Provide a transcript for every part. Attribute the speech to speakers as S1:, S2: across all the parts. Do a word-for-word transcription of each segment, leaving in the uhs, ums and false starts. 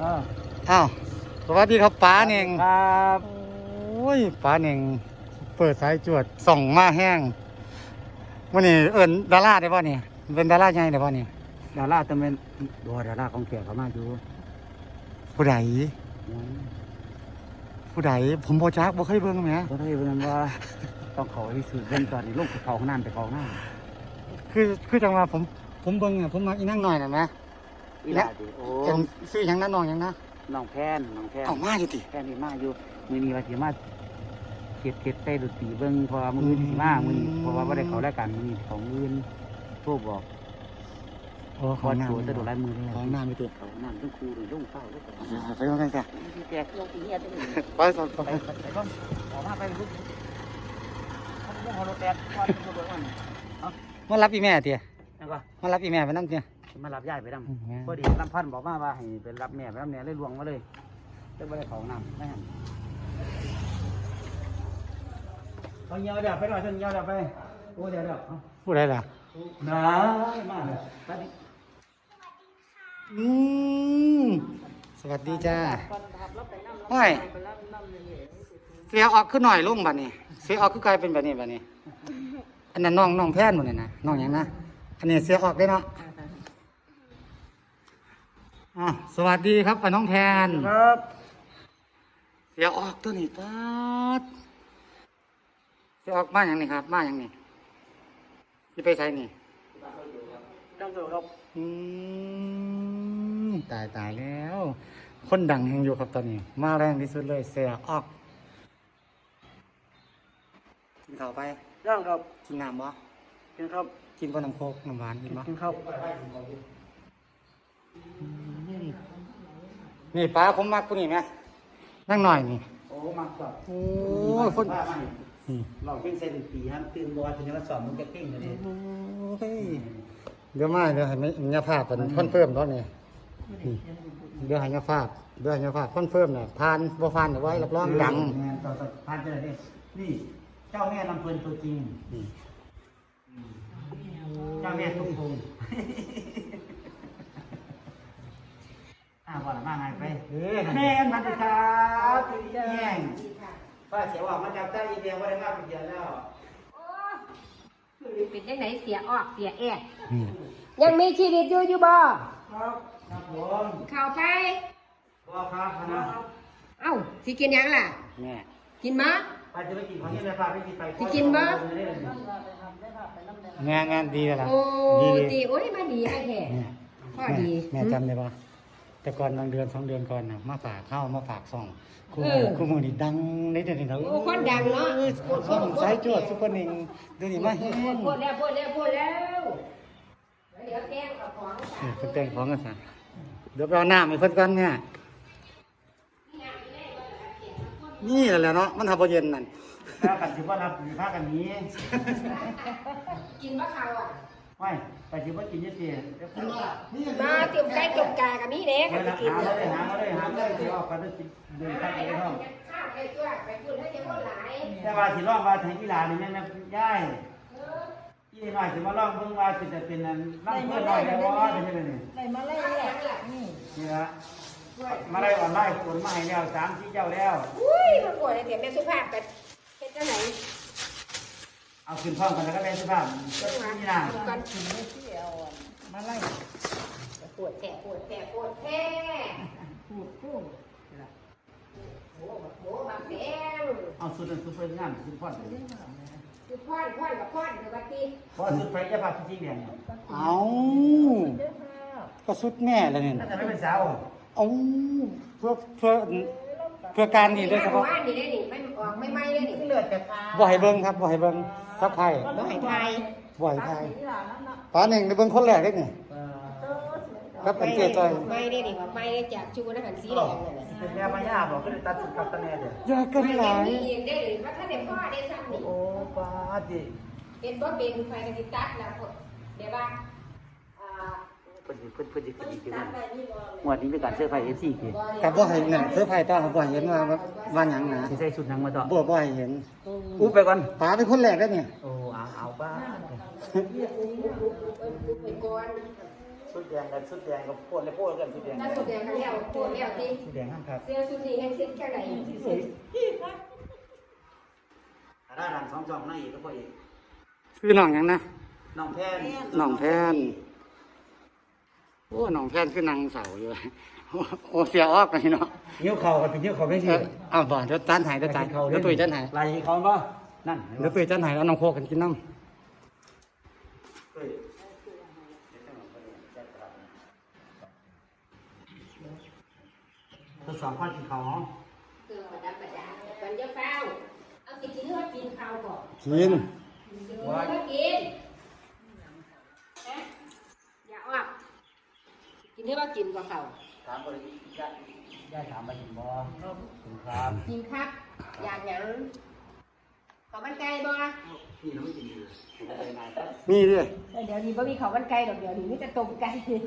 S1: อ้าวสวัสดีครับป๋าเน่ง
S2: ครับ
S1: โอ้ยป๋าเน่งเปิดสายจวดส่องมาแห้งวันนี้เอิญดาราได้ป่ะเนี่ยเป็นดาราใหญ่ได้ป่ะเนี่ย
S2: ดาราต้องเป็นบัวดาราของแก่เขามาอยู่
S1: ผู้ใดผู้ใดผมบ่จักบ่เคยเบิ่งแหม
S2: ก็ได้เรื่องว่าต้องขอที่สื่อเรื่องตอนนี้ลูกไปเขาห้องน้ำไปเขาห้องน้
S1: คือคือจังว่าผมผมเบิ่งอ่ะผมมักอีนั่งหน่อยน่ะแหม
S2: ำอีหลาดิโอ้
S1: เป็นซื้อหยังนั้นน้องหยังนะ
S2: น้องแพนน้องแพน
S1: เอามาอยู่ติ
S2: แพนนี่มาอยู่มือนี้ว่าสิมาเทียบเทียบใส่ดนตรีเบิ่งเพอมือนี้สิมามือนี้เพราะว่าไม่ได้เขารายการมือนี้ของอื่นโทรบอก
S1: โอ้
S2: พ
S1: ขอ
S2: อ
S1: น้ำ
S2: โจจะโดนลายมือเลย
S1: ของน้ำอยู่ติ
S2: เขาน้ำต้องครูหรือต้องเฝ้าด้วยกัน
S1: ไปลงกันจ้ะ
S2: แจกลงตีเงี้ยตัวนี้
S1: ไปสอง
S2: ไปไปก่อนออกมาไปลุกเขาเรื่องของรถแดดก่อนรถก่อน
S1: มารับอีแม่ติ
S2: นั่นก็
S1: มารับอีแม่ไปนำติ
S2: มารับยายไปด
S1: อืม
S2: ำพอดีลำพันธ์บอกมาว่าให้ไปรับแม่ไปรับแม่เลยลวงมาเลยจะไม่ได้ของน้ำไม่หันเขาเงียวเดี๋ยวไปหน่อยเถอะเงียวเดี๋ยวไปโอ้เดี๋ยวเดี๋ยว
S1: ผู้ใดล่ะ
S2: น้ามาเลยไปดิ
S1: อืมสวัสดีจ้าโอ้ยเสียออกขึ้นหน่อยลุงบัดนี้เสียออกคือกลายเป็นแบบนี้บัดนี้ อันนั้นน้องน้องแพนหมดเลยนะน้องหยังนะอันนี้เสียออกได้เนาะอ่ะสวัสดีครับป้าน้องแพน
S2: ครับ
S1: เสียออกตัวนี้ปัดเสียออกมาอย่างนี้ครับมาอย่างนี้ที่ไปใช้นี่
S2: จังโจครับ
S1: อืมตายตายแล้ว คนดังแห่งอยู่ครับตอนนี้ มาแรงที่สุดเลยเสียออกกินข้าวไป
S2: ย่างครับ
S1: กินน้ำบ่
S2: กินครับ
S1: กินบ่น้ำโคกน้ำหวานกินบ่
S2: กินครับ
S1: นี่ป้าผมมักคนนี้ไหมนั่งหน่อยนี่
S2: โอ้มากกว่า
S1: โอ้ยคน
S2: บ้ามา
S1: นี่
S2: เราเพ่งเส้นปีฮะตื่นบอลถึงจะมาสอนมึงจะเพ่งเลย
S1: โอ้ยเดี๋ยวมาเดี๋ยวให้ไม่ยาภาพเป็นคอนเฟิร์มตอนนี้นี่เดี๋ยวให้ยาภาพเดี๋ยวให้ยาภาพคอนเฟิร์มเนี่ยผ่านบ่ผ่านเดี๋ยวไว้รับรองดัง
S2: ต่อต่อพันเจอเนี่ยนี่เจ้าแม่ลำเพลินตัวจริง
S1: นี่
S2: เจ้าแม่ตุ้งพุงอ่าว่าละมาไงไปแม่มาดิครับแย่งป้าเสียว่ามาจากใต้อีเดียว่าได้มากเป็นเดือนแล้ว
S3: เป็นยังไงเสียออกเสียแอก
S1: นี่
S3: ยังมีชีวิตอยู่อยู่บ่
S2: ครับครับผม
S3: เข้าไป
S2: ก็ครับนะ
S3: เอ้าสิกินหยังล่ะ
S1: แม่
S3: กินมะ
S2: ป้าจะไม่กินของนี่เลยป้าไม่กินไป
S3: สิกินบ่
S1: งานงานดีแล้วล่ะ
S3: โอ้
S1: ดี
S3: ดีโอ้ยมาดีให้แท้
S1: แม่
S3: พ่อดี
S1: แม่จำได้ปะแต่ก่อนบางเดือนสองเดือนก่อนน่ะมาฝากข้าวมาฝากซองคู่
S3: เอ
S1: มือ
S3: อ
S1: คู่มือนี่ดังในเดือนนี้นะ
S3: โอ้คนดังเนาะ
S1: ช่องสายจวดซุปเปอร์หนิงเดี๋ยวนี้มาเฮ็ด
S3: พูดพูดแล้วพูดแล้วพูดแล้วเดี๋ยวแกงกับของ
S1: เออเพิ่นแต่งของกันซะเดี๋ยวไปเอาน้ำให้เพิ่นก่อนเนี่ยนี่แหละเนาะมันทำบ่เย็นนั่น
S2: แล้วกันถือว่ารับถือผ้ากันนี้
S3: กินมะเขาอ่ะ
S2: ไม่ไปถือว่ากินเยอะเสีย
S3: มาเตรียมไก่ต้มกากับมีเด้
S2: หา
S3: ก็สิกิน
S2: มา
S3: เด้
S2: เลยหามาเลยหามาเลยถือออกกันด้วยเดินข้ามไปในห้อง
S3: ข้าวไปตัวไปพูดให้เดี๋ยวคนหลาย
S2: แต่ว่าสิร้องว่าแทงกีฬานี่แม่แม่ย่ายยี่หน่อยสิมาร้องเบิ่งว่าเป็นจะเป็นนั่นนั่งเพื่อนหน่อยได้บ่ได้ใช่ไหมนี่
S3: ไหนมาไล่เนี่ยนี่
S2: นี่ละมาได้ออนไลน์คนมาให้แล้วสามสี่เจ้าแล้ว
S3: อุ้ยมันปวดเลยเดี๋ยวแม่สุภาพไปเป็นเจ้าไหน
S2: เอาขึ้นพร้อมกันแล้วก็แม่สุภาพนี่นะ
S3: ก่อนถึงไม่เที่ยวมาไล่ปวดแผลปวดแผลปวดแผลปวดกุ้งโอ้โหบางแผล
S2: เอาสุดสุดเพิ่นงานสุดพอด
S3: คือพ่อนพ่อนกับพ่อนคือวันที่
S2: พอสุดไปจะพาพี่แดง
S1: เอาก็สุดแม่เลยเนี่ย
S2: น่าจะไม่เป็นสาว
S1: เอาเพื่อเพื่อเพื่อการนี่โดยเฉพาะ
S3: ว่านนี่ได้นี่ไม่ออกไม่ไหม้เลยนี่
S2: เลือดจากตา
S1: บ่ให้เบิ่งครับบ่ให้เบิ่งซับไพ่
S3: บ่ให้ไทย
S1: บ่ให้ไพ่ป้าหนึ่งได้เบิ่งคนแรกได้นี่ครับเป็นเจ้าต้อย
S3: ไม่ได้นี่ว่าไม่ได้จากชูนะหันสีแดงเลย
S2: เป็นแม่พญาบอกก็เลยตัดสุดกับตะแน่เด้อ
S1: อย่ากันหลาย
S3: ไม่เองได้เลยว่าถ้าเด็กพ่อได้ซ้ำนี่
S2: โอ้ป้าจิ
S3: เป็นบ่เป็นไฟกันสิตัดแล้วเดี๋ยวว่าอ่า
S2: เพิ่นเพิ่นเพิ่นจะกินกันงวดนี้เป็นการเสื้อผ้า เอฟ ซี กี่
S1: ครับบ่ให้นั่นเสื้อไผ่ต้อบ่ให้เห็นว่าว่าหยังนะ
S2: สิใส่ชุดหนังมาต่อ
S1: บ่บ่ให้เห็น
S2: อู้ไปก่อน
S1: ป้าเป็นคนแรกได้นี่
S2: โอ้เอาเอาป้า
S3: ไปก่อน
S2: ชุดแดงกับชุดแดงกับโพดและโพดกันชุดแดง
S3: ถ้าสุดแดงก็แล้วโคตรแล้วที่
S2: ชุดแดงห้ามครับ
S3: เสื้อสุดนี้แห้งสิ้นแค่ไหนที่สุด
S2: อาด้าดังสองจอมนั่งอีกก็พออีก
S1: ซื้อน้องหยังนะ
S2: น้องแพน
S1: น้องแพนโอ้น้องแพนคือนางเสาอยู่ โอ้เสียออกเลยเนาะ
S2: เงี้ยวเข่ากันเป็นเงี้ยวเข่าไม่
S1: เอ
S2: ใช่
S1: อเอาบ่เดี๋ยวจานหายเดี๋ยวจานเดี๋ยวตุยจานหาย
S2: ลายเขาป่ะนั่น
S1: เดี๋ยวตุยจานหายแล้วน้องโคกันกินน้
S2: ทดสอบข้อกินเขาห้อง
S3: คือประดับประดาวันจะเฝ้าเอาสิกินเลือดกินข้าวก่อน
S1: ำกิน
S3: ว่ากินอย่าออกกินเลือดกินกว่าเขา
S2: ถามบริญาติญาติถามมาถึงบ่ถึงครับ
S3: กินครับอยากหยังข้าวมันไก่บ่
S2: นี่เราไม่กินเลยผมจะไปนายครับ
S1: มีดิ
S3: เดี๋ยวนี้บ่มีข้าวมันไก่ดอกเดี๋ยวนี้มีแต่ต้มไก่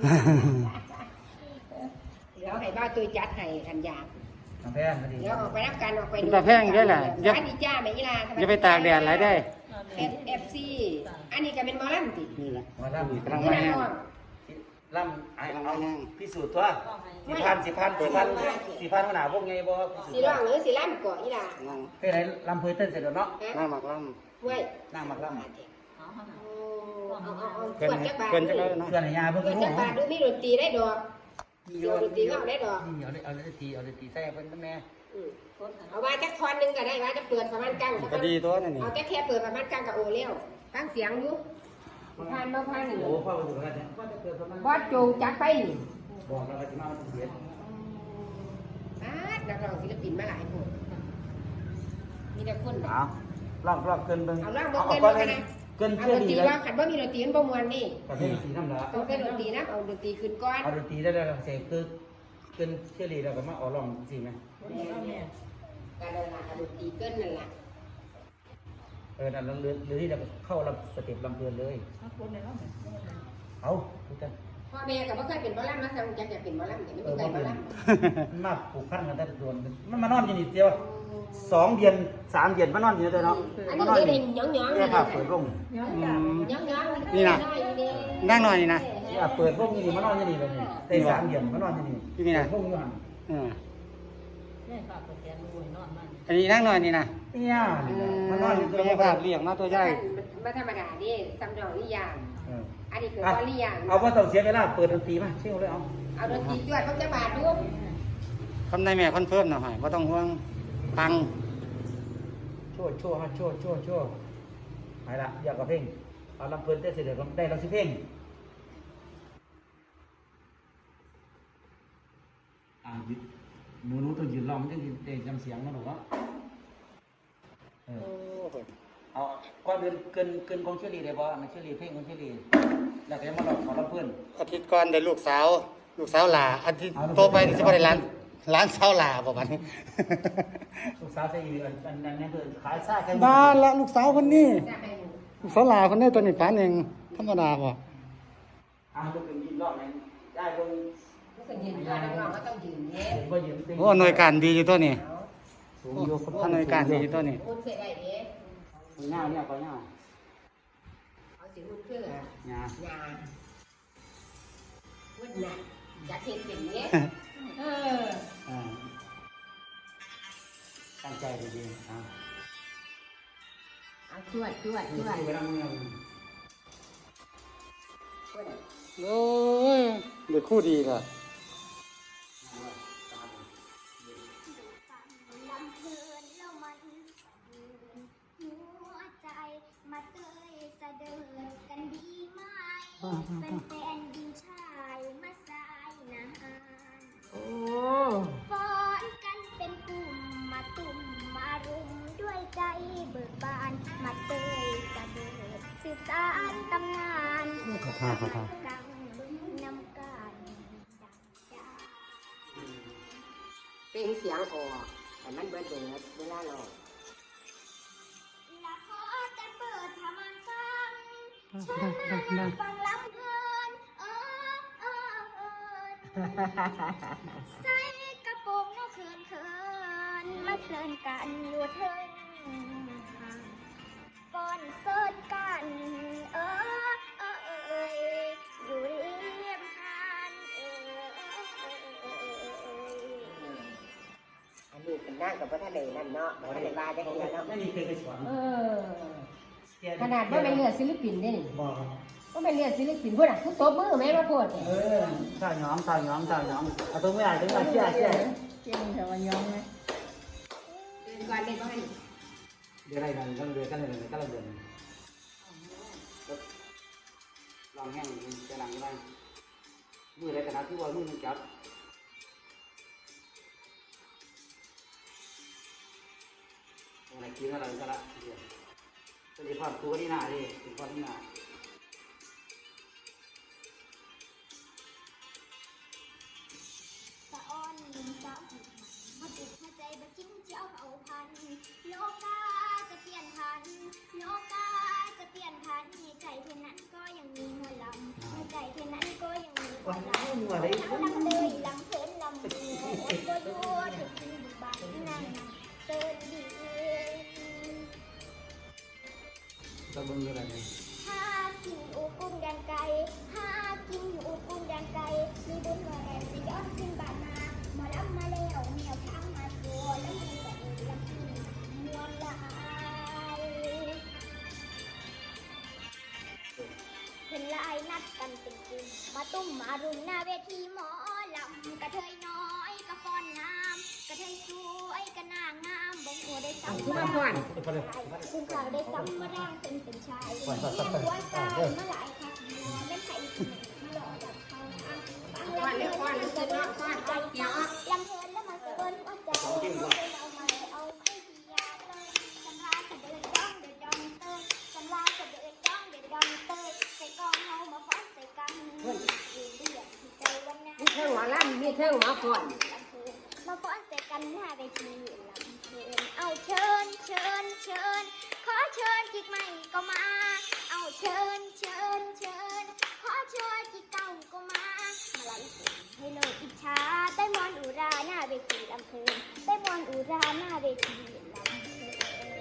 S3: เดี๋ยวให้บ้าตัวจัดให้ทันยา
S2: น้องแพนพอดี
S3: เดี๋ยวออกไปรับการออกไป
S1: เป็นตาแพงได้แหละอย่า
S3: อันนี้จ้าแม่ยีรา
S1: อย่าไปตากแดดหลายได้
S3: เอฟเอฟซีอันนี้ก็เป็นหมอลำติ
S1: นี่แหละ
S2: มาล่ำ
S1: กำลัง
S3: นี่
S1: มา
S3: นะ
S1: แห้ง
S3: น้อง
S2: ล่ำไอ้เอาพิสูจน์ตัวสิพันสิพันสิพันสิพันขนาดพวกไงบ่พิสูจ
S3: สี
S2: น์
S3: ร้องหรือสีลำก่อยีรา
S1: นั่ง
S2: เฮ้ยไหนลำเพยเต้นเสร็จแล้วเนาะ
S1: นั่งหมักล่
S3: เว้ย
S2: นั่งมาล่ำ
S3: เอาเอาเอา
S1: ำ
S3: เกิ
S1: เกิน
S3: นจักบาท
S1: เกินจะได้เนาะ
S2: เพื่อนยาเพิ่ง
S3: เกิน
S2: รู้
S3: จักบาทดูมีดนตรีได้ดอก
S2: มีเอาดนตรีเอาดนตรีเอาดนตรีใส่เพิ่นแม่
S3: เอาว่าจักทอนหนึงก็ได้ว่าจะเปิดประมาณกลาง
S1: ก็ดีตัวนั่นนี่
S3: เอาแต่แค่เปิดประมาณกลางกับโอเลี้ยวฟังเสียงอยู่ผ่านมาผ่านนี่
S2: โอ้พ่อไปถึงแล้วเนี่ยพ่อจะเกิดประมาณ
S3: บอสจูงจักไปนี่
S2: บอกแล้วว่าจะมาเสีย
S3: อาดนักร้องศิลปินมาหลายคนมีแต่คน
S2: เอาลองลองเกินเบิ่ง
S3: เอาล่างบ่
S2: เอา
S3: เกิน
S2: ก่อน
S3: บ่
S2: เล
S3: กัน
S2: ย
S3: นะ
S2: เกิน
S3: เอา
S2: เชื่อ
S3: ดน
S2: ดี
S3: ตรี
S2: เลย
S3: ว่าขันว่ามีดนตรีมันบ่มวนนี่
S2: ประเภทสีน้ำละ
S3: ต้องเป็นดนตรีนะเอาดนตรีขึ้นก่อน
S2: เอาดนตรีได้แล้วเสร็จคือเกินเชื่อดีแล้วก็มาเอาลองสิไหม
S3: การเดินทางดนตรีเกินนั่นแหละ
S2: เออนั่นแล้วหรือหรือที่เราเข้าลำสเต็ปลำเพลินเลยเอาดูกัน
S3: พ่อแม่ก็บ่เคยเป็นหมอลำนะแต่จักจะเป็นหมอลำแต่ไม่
S2: เอ
S3: มี
S2: อ
S3: ใคร
S2: ว่า
S3: หม
S2: เป็
S3: อน ล
S2: มันมาผูกพันกันแต่โดนมันมานอนอยู่นี่เดียวสองเดือนสามเดือนมานอนอยู่นี่เนาะ
S3: ำอันนี้
S2: มานอน
S3: ได้
S2: อยู่
S3: หยองหยอง
S2: เนี่ยค่ะเปิดร่ม
S1: อืม
S3: หยองหยอง
S1: นี่นะ นั่งหน่อยนี่นะ
S2: เนี่ยเปิดร่มอยู่นี่มานอนอยู่นี่เลยนี่ได้สามเดือนมานอนอยู่นี่
S1: ที่นี่นะ
S2: ร่มอยู่หัน
S1: เอออันนี้นั่งหน่อยนี่นะ
S2: เนี่ยนี่นะมานอนอยู่
S1: ไม่ใช่ภาพเรียงมาตัวใหญ่
S3: มาธรรมดานี่ซ้ำดอกนี่ยาง
S2: เออ
S3: อันนี้คือว่าลี่ยาง
S2: เอาว่าต้องเสียเวลาเปิดดนตรีมาเชี่ยวเลยเอา
S3: เอาดนตรีจวดเขาจะบาดดู
S1: คำนายแม่คอนเฟิร์มหน่อยว่าต้องห่วงปัง
S2: โชว์โชว์ฮะโชว์โชว์โชว์ไปละอยากกับเพลงเอาลำเพลินเต้นเสร็จเดี๋ยวได้ลำสิเพลงอ่ายึดหนูหนูต้องยืนรอมันจะได้จำเสียงนะหนูวะเออเอาก่อนเดินเกินเกินของเชอรี่ได้บ่มันเชอรี่เพลงของเชอรี่แล้วก็มาหลอกขอลำเพลิน
S1: อาทิตย์ก่อนได้ลูกสาว ลูกสาวหลาอาทิตย์โตไปนี่สิบ่ได้ร้านร้านสาวหลาบ่บัดนี้
S2: ลูกสาวจะอยู่อันอันนั้นคือขายซ่าแค่
S1: บ้านละลูกสาวคนนี้
S3: จะให้ดู
S1: ลูกสาวหลาคนนี้ตัวนี้ปานเองธรรมดาบ่
S2: อ่าลูกเป็นยืนรอบนั้นได้เบิ่ง
S3: รู้สึกยืนตัวน้องๆก็ต้องยืนเนี้ย
S2: เห็นว่ายืนเต็ม
S1: โอ้หน่วยการดีอยู่ตัวนี้
S2: สูงอยู่
S1: ท่านหน่วยการดีอยู่ตัวนี้
S3: คุณเสียได้เนี้ย
S2: เงาเนี่ยก็เงา
S3: เอาสิคุณเชื่อ
S2: เงา
S3: ยาวุ้นน่ะจะเห็นเป็นเนี้ยเออ
S2: อ่าตั้งใจดีๆอ่า
S3: เอาจวดจวดจวด
S2: ที่เวลาเมือง
S1: โอ้ยเด็กคู่ดีล่ะ
S4: ลำเพลินแล้วมันหัวใจมาเตยสะเดิดกันดีไหมเป็นแฟนดินชายมาสายนาน
S3: โอ้
S4: ฟ้อนกันเป็นกลุ่มมาตุ่มมารุมด้วยใจเบิกบานมาเตยสะเดิดสืบสานตำนาน
S1: ขอท่าขอท่า
S4: กังนำการดังใจ
S3: เป็นเสียงออกแต่มันเบิดเบิดเวลาเรา
S4: และขอแต่เปิดทำมันฟังเชิญมานั่งฟังลำเพลินเออเออเออใส่กระโปรงนกเขินเขินมาเสิร์นกันอยู่เทิงห่างก่อนเสิร์นกันเออเออเอยอยู่ริมห
S3: นั่งกับพระทะเลนั่นเนาะพระทะเลบาจะเห็นเนาะ
S2: นั่นนี่เคยไปสอน
S3: เออขนาดว่าเป็นเรือศิลปินได้นี่
S2: บอกครับ
S3: ว่าเป็นเรือศิลปินพวกน่ะทุกโต๊ะมือแม่มาพูด
S2: เออตาหยองตาหยองตาหยองเอาตัวไม่ได้ตัวไม่เชื่อเชื่อ
S3: เก่งแต่ว่าย้อมไหมเดินก่อนเดินก่อน
S2: เดี๋ยวอะไรกันก็เดือนก็เดือนก็เดือนลองแห้งจะหลังได้มืออะไรขนาดที่ว่ามือมันจับอะไรกินอะไรก็ละเดี๋ยวจะมีความตัวที่หน้าดิเป็นความที่หน้า
S4: สะอ้อนหนุ่มสาวผิดหมันมาติดหัวใจบัดจิ้มเจ้าเอาพันโลกาจะเปลี่ยนพันโลกาจะเปลี่ยนพันในใจเท่านั้นก็ยังมีหัวลำในใจเท่านั้นก็ยังมีหัวลำ
S2: หัวเลย
S4: ลำลำเลยลำเพลินลำบัวอดบัวยัวถึงกินบุบานนั่งเตินดี
S2: จะบึงอะไรเนี่ย
S4: หากินอูกุ้งแดงไก่หากินอูกุ้งแดงไก่มีบุญมาแอบสิย้อนขึ้นบ้านมาหมอลำมาแล้วแมวทางมาตัวแล้วมีแต่เออลำพีมวนลายเห็นลายนัดกันเป็นกลุ่มมาตุ้มมารุมหน้าเวทีหมอลำกระเทยน้อยกระฟอนน้ำกระเทยสวยกระนางงามบ่งหัวได้ซ้ำ
S3: คือมาก่อน
S4: คุณข่าวได้ซ้ำมาร่างเป็นเป็นชายเลี้ยงหัวใจมาหลายครั้งหัวไม่ไผ่มาหล่อดับเขาทางฟังลำเพลินแล้วมันสะเบินหัวใจลำเพลินแล้วมันสะเบินหัวใจเอาไปเอามาเอาไม่ดียาเลยสันว่าสะเดินจ้องเดินดองเตยสันว่าสะเดินจ้องเดินดองเตยใส่กองเฮามาฟ้อนใส่กันยืนเดือดใจวันนั้น
S3: มีเท่งหมอลำมีเท่งหมอก่อน
S4: มาฟ้อนใส่กันหน้าเวทีลำเพลินเอาเชิญเชิญเชิญขอเชิญจิกใหม่ก็มา เอาเชิญเชิญเชิญขอเชิญจิกเก่าก็มา มาไล่ส่งให้เลยอิจฉาได้มอนอุราหน้าเวทีลำเพลินได้มอนอุราหน้าเวทีลำเพลิน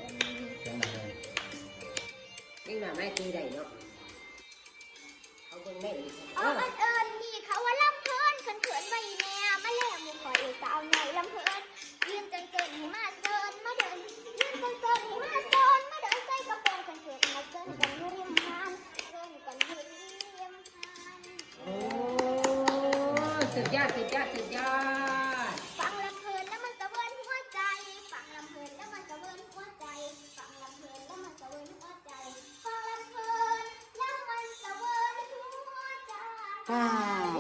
S3: นี่มาไม่ตีได้เนาะเขาเพิ่งไม่อีก
S4: เอาอันเอิญนี่เขาว่าลำเพลินเขินเขินไว้แม่มาแล้วหมูขอเอสาวหน่อยลำเพลินยืนจังเกินให้มาเซินมาเดินยืนจังเกินให้มาเซินมาเดินใส่กระโปรงเขินเขินมาเซินกันอยู่ริมหานเซินกันอยู่ริมหาน
S3: โอ้สุดยอดสุดยอดสุดยอด
S4: ฟังลำเพลินแล้วมันสะเวินหัวใจฟังลำเพลินแล้วมันสะเวินหัวใจฟังลำเพลินแล้วมันสะเวินหัวใจฟังลำเพลินแล้วมันสะเวินหัวใจ
S1: ป้า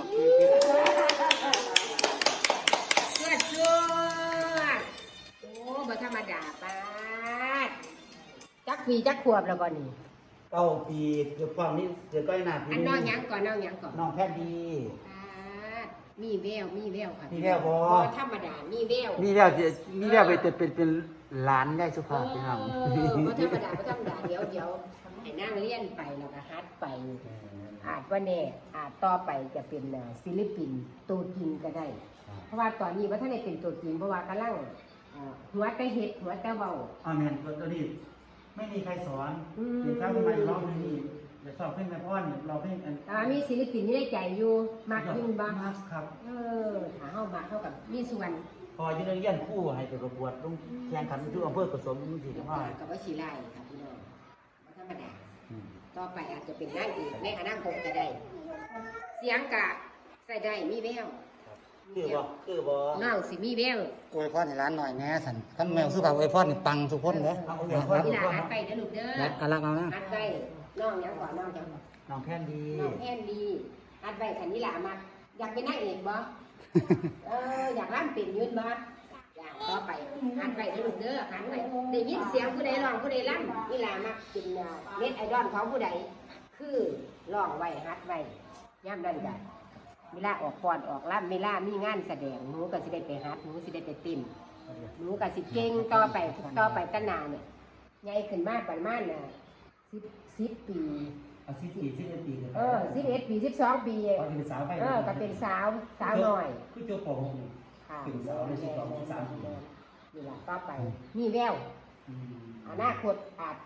S3: เชื่อเชื่อโอ้บ่ธรรมดาป้าดจักปีจักขวบแล้วก่อนนี่
S2: เก้าปีเกือบความนี้เกือบก้อยหนาปี
S3: อันน้องหยังก่อนน้องหยังก่อน
S2: น้องแพทย์ดี
S3: ป้าดมีแววมีแววค่ะ
S2: มีแววบ่
S3: ธรรมดามีแวว
S2: มีแล้วมีแล้วไปเป็นเป็นเป็นหลานได้สุภาพพี่น้อง
S3: เออบ่ธรรมดาบ่ธรรมดาเดี๋ยวเดี๋ยวให้นั่งเรียนไปแล้วก็ฮัดไป อาจว่าแน่อาจต่อไปจะเป็นอ่าศิลปินตัวจริงก็ได้ เพราะว่าตอนนี้ว่าท่านได้เป็นตัวจริงเพราะว่ากำลังอ่าหัวแต่เห็ดหัวแต่เบา
S2: อาเมนตัวนี้ไม่มีใครสอน
S3: อืม
S2: เด็กเช้าขึ้นมาอีกรอบนึงนี่จะสอบเพลงแม่พ่อนเราเพลงอัน
S3: แต่ว่ามีศิลปินที่ได้ใจอยู่มากยิ่งบ้าง
S2: มากครับ
S3: เออถ้าเข้ามาเข้ากับมีส่วน
S2: พออยืนเรียนคู่ให้ไปประกวดต้องแข่งขันทุกอำเภอกระสมสี่จังหวัด
S3: กับว่าชีไล่ค่ะพี่น้องบ่ธรรมดาต่อไปอาจจะเป็นนางเอกในอนาคตก็ได้ เสียงกะใส่ได้มีแวว
S2: คือบ่คือบ่
S3: น้องสิมีแวว
S1: อวยพรให้ร้านหน่อยแน่สันท่านแมวสุภาพอวยพรนี่ปังทุกคนเด้อ
S3: นี่ล่ะฮัดไปเด้อลูกเด้อ
S1: รักกันรักเอานะ
S3: ฮัดไปน้องหยังก่อนน้องหยัง
S2: น้องแพนดี
S3: น้องแอนดีฮัดไปคันนี้ล่ะมาอยากเป็นนางเอกบ่ เอออยากร่ำเป็นยืนบ่อยากต่อไปฮัดไปเด้อลูกเด้อฮัดไปได้ยินเสียงผู้ใดร้องผู้ใดร่ำนี่ล่ะมักเป็นเน็ตไอดอลของผู้ใดคือร้องไว้ฮัดไว้ย่ำนั่นกันเวลาออกฟอนออกร่ำเวลามีงานแสดงหนูก็สิได้ไปฮัดหนูสิได้ไปติ่มหนูก็สิเก่งต่อไปต่อไปตั้งนานเนี่ยใหญ่ขึ้นมากประมาณน่ะสิบสิบปี
S2: เอาสิบปีสิบเอ็ดปี
S3: เออสิบเอ็ดปีสิบสองปี
S2: พอเป็นสาวไป
S3: เออก็เป็นสาวสาวหน่อย
S2: คือโจปหกนี่
S3: ค่ะ
S2: เป็นสาวในสิบสองสิบสามปี
S3: นี่แหละต่อไปมีแววอนาคตอาจ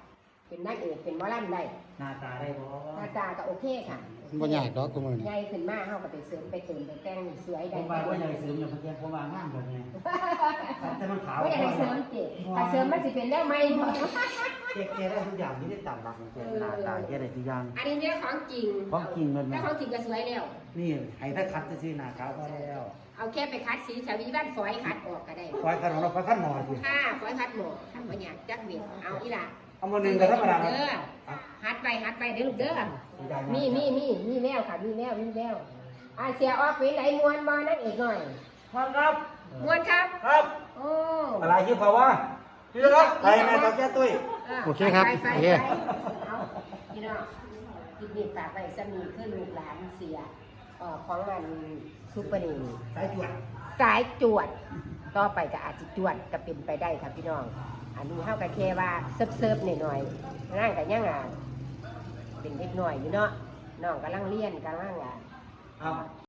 S3: เป็นนางเอกเป็นหมอลำได้
S2: หน้าตาได้บ่
S3: หน้าตาก็โอเคค่ะ
S1: บ่ยากดอกกูมื้อนี้
S3: ใหญ่ขึ้นมาเฮาก็ไปเสริมไปเติมไปแต่งสวย
S2: ผ
S3: ได้
S2: มว่าว่าใหญ่เสริมอย่างเมื่อกี้ผมว่างามแบบนี้แต่มันขาว
S3: บ่อยากให้เสริมเจ็บถ้าเสริมมันสิเป็นแนวใหม่บ่
S2: เจ๊แกได้ทุกอย่างที่ได้ตามหลักของแกหน้าตาแกได้ทุกอย่าง
S3: อันนี้เนี่ยของจริง
S2: ของจริงมัน
S3: แล้วของจริงก็สวยแล้ว
S2: นี่ให้ถ้าคัดจะซื้อหน้าขาวพอแล้ว
S3: เอาแค่ไปคัดสีชาวีบ้านฝอยคัดออกก็ได้
S2: ฟอยขนมเราฟอยขั้นหมอสิ
S3: ค่ะฝอยคัดหมดทำบ่อยากจักเม็ดเอาอีหล่ะ
S2: เอามาหนึ่งกับธรรมดา
S3: เด้อฮัดไปฮัดไปเด้อลูกเด้อมีมีมีมีแววค่ะมีแววมีแววอ่าเสียออกเป็นไหนมวนมานั่งเอกหน่อย
S2: พ่อครับ
S3: มวนครับ
S2: ครับ
S3: โอ้
S2: อะไรชื่อเขาว่าชื่อครับไปแม่ตอแก้ตุ้ย
S1: โอเคครับ
S3: ไปไป
S1: โอเค
S3: ไปเอาพี่น้องกินนี่ฝากไปสมีคือลูกหลานเสียเอ่อของมันซุปเปอร์นี
S2: สายจวด
S3: สายจวด ต่อไปก็อาจจะจวดก็เป็นไปได้ครับพี่น้อง อันนี้เฮาก็แค่ว่าเซิร์ฟๆหน่อยๆร่างก็ยังอ่ะเป็นเด็กหน่อยอยู่เนาะน้องกำลังเรียนกำลังอ่ะ
S2: เอา